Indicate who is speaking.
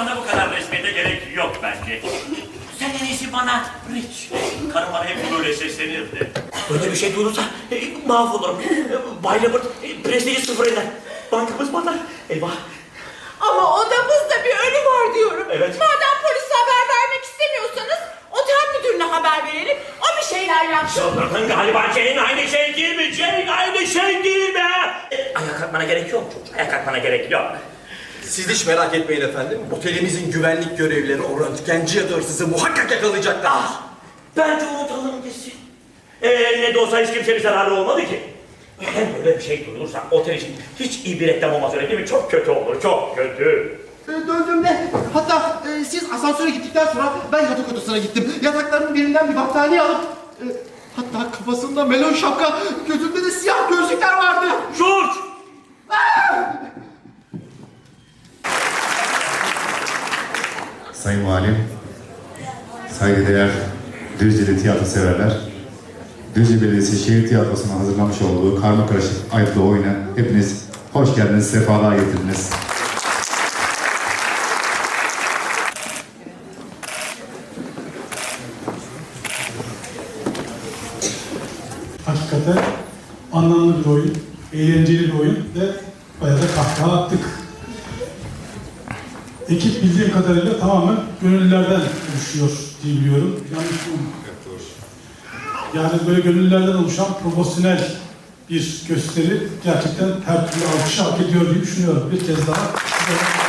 Speaker 1: Karına bu kadar resmiyete gerek yok bence. Sen en iyisi bana Rich. Karım bana hep böyle seslenirdi. Böyle bir şey duyulursa mahvolurum. Bay Robert prestiji sıfır eder. Bankamız batar. Eyvah.
Speaker 2: Ama odamızda bir ölü var diyorum.
Speaker 1: Evet.
Speaker 2: Madem polise haber vermek istemiyorsanız otel müdürüne haber verelim. O bir şeyler yapsın.
Speaker 1: Çıldırdın galiba. Jane aynı şey değil mi? Jane aynı şey değil mi? Ayağa kalkmana gerek yok çocuk. Ayağa kalkmana gerek yok.
Speaker 3: Siz hiç merak etmeyin efendim. Otelimizin güvenlik görevlileri o röntgenci ya da hırsızı muhakkak yakalayacaklar.
Speaker 1: Ah, bence unutalım gitsin. Ne de olsa hiç kimse bir zararı olmadı ki. Hem böyle bir şey duyulursa otel için hiç iyi bir reklam olmaz öyle değil mi? Çok kötü olur, çok kötü.
Speaker 4: Döndüğümde hatta siz asansöre gittikten sonra ben yatak odasına gittim. Yatakların birinden bir battaniye alıp hatta kafasında melon şapka, gözünde de siyah gözlükler vardı.
Speaker 1: George!
Speaker 5: Sayın Valim, saygıdeğer Düzce'li tiyatro severler, Düzce Belediyesi Şehir Tiyatrosu'nun hazırlamış olduğu karmakarışık ayıplı oyuna hepiniz hoş geldiniz, sefalar getirdiniz.
Speaker 6: Hakikaten anlamlı bir oyun, eğlenceli bir oyun ve bayağı da kahkaha attık. Ekip bildiğim kadarıyla tamamen gönüllülerden oluşuyor diye biliyorum. Yanlış mı? Yani böyle gönüllülerden oluşan profesyonel bir gösteri gerçekten her türlü alkış hak ediyor diye düşünüyorum. Bir kez daha